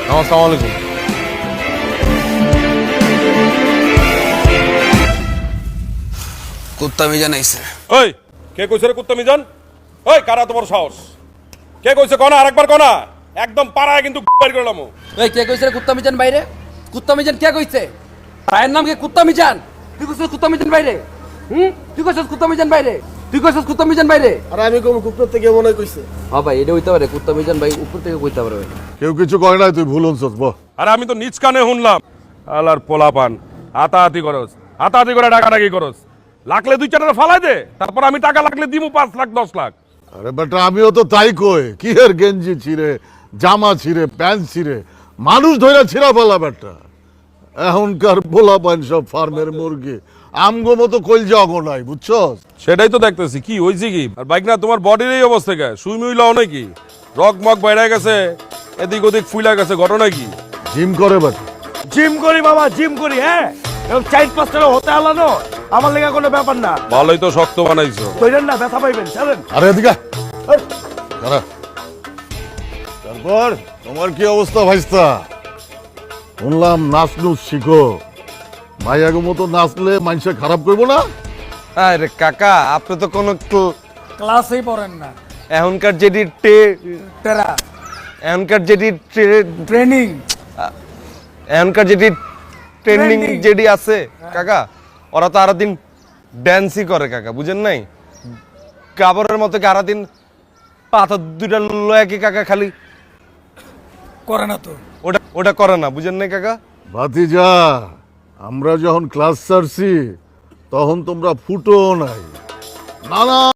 আসসালামু আলাইকুম। কুত্তা মিজান আইছে। ওই কে কইছে রে কুত্তা মিজান? ওই কারা তোমার সাহস? কে কইছে কোনা? আরেকবার কোনা, একদম পাড়ায় কিন্তু বাইর করলাম। এই কে কইছে রে কুত্তা মিজান বাইরে? কুত্তা মিজান কে কইছে? রায়ের নাম কি কুত্তা মিজান? তুই কইছিস কুত্তা মিজান বাইরে? তুই কইছিস কুত্তা মিজান বাইরে? তুই কইছিস কুত্তা মিজান বাইরে? আর আমি কোন কুকুর থেকে মনে হয় কইছে। হ্যাঁ ভাই, এটা হইতে পারে, কুত্তা মিজান ভাই উপর থেকে কইতে পারে। কেউ কিছু করে নাই, তুই ভুল হচ্ছস। আরে আমি তো নিজ কানে শুনলাম। আলার পোলাপান হাতাহাতি করস, হাতাহাতি করে ডাকাডাকি করস। লাগলে 2-4টা ফালাই দে, তারপর আমি টাকা লাগলে দিমু 5 লাখ 10 লাখ। আরে বেটা, আমিও তো তাই কই। কি এর গেঞ্জি ছিঁড়ে, জামা ছিঁড়ে, প্যান্ট ছিঁড়ে, মানুষ ধরে ছিঁড়া ফেলা বেটা। এখনকার পোলা পান সব ফার্মের মুরগি, আমগো মতো কইল যাও নাই, বুঝছস? সেটাই তো দেখতেছি। কি হইছে কি? আর বাইক না তোমার বডির এই অবস্থা কে? সুই মুইলাও নাকি? রক মক বাইরে গেছে, এদিক ওদিক ফুইলা গেছে, ঘটনা কি? জিম করে বেটা। জিম করি বাবা, জিম করি। হ্যাঁ, এরকম 4-5টা হতে আলানো আমার লেগে কোনো ব্যাপার না। ভালোই তো শক্ত বানাইছো। কইরেন না, ব্যথা পাইবেন। চলেন। আরে এদিকে দাঁড়া। তারপর তোমার কি অবস্থা ভাইস্তা? শুনলাম নাচ নুচ শিখো। ভাইয়াগো মতো নাচলে মানুষে খারাপ করবো না? আরে কাকা, আপনি তো কোনো ক্লাসেই পড়েন না। এখনকার তেরা এখনকার ট্রেনিং। এখনকার ট্রেন্ডিং Trending। যেটি আছে কাকা, ওরা তো আরো দিন ড্যান্সই করে কাকা, বুঝেন নাই? কাবরের মতো কি আরো দিন পাথর 2টা লয়ে কি কাকা খালি করে না তো। ওটা করে না, বুঝেন নাই কাকা? ভাতিজা, আমরা যখন ক্লাস ছাড়ছি তখন তোমরা ফুটো নাই। নানা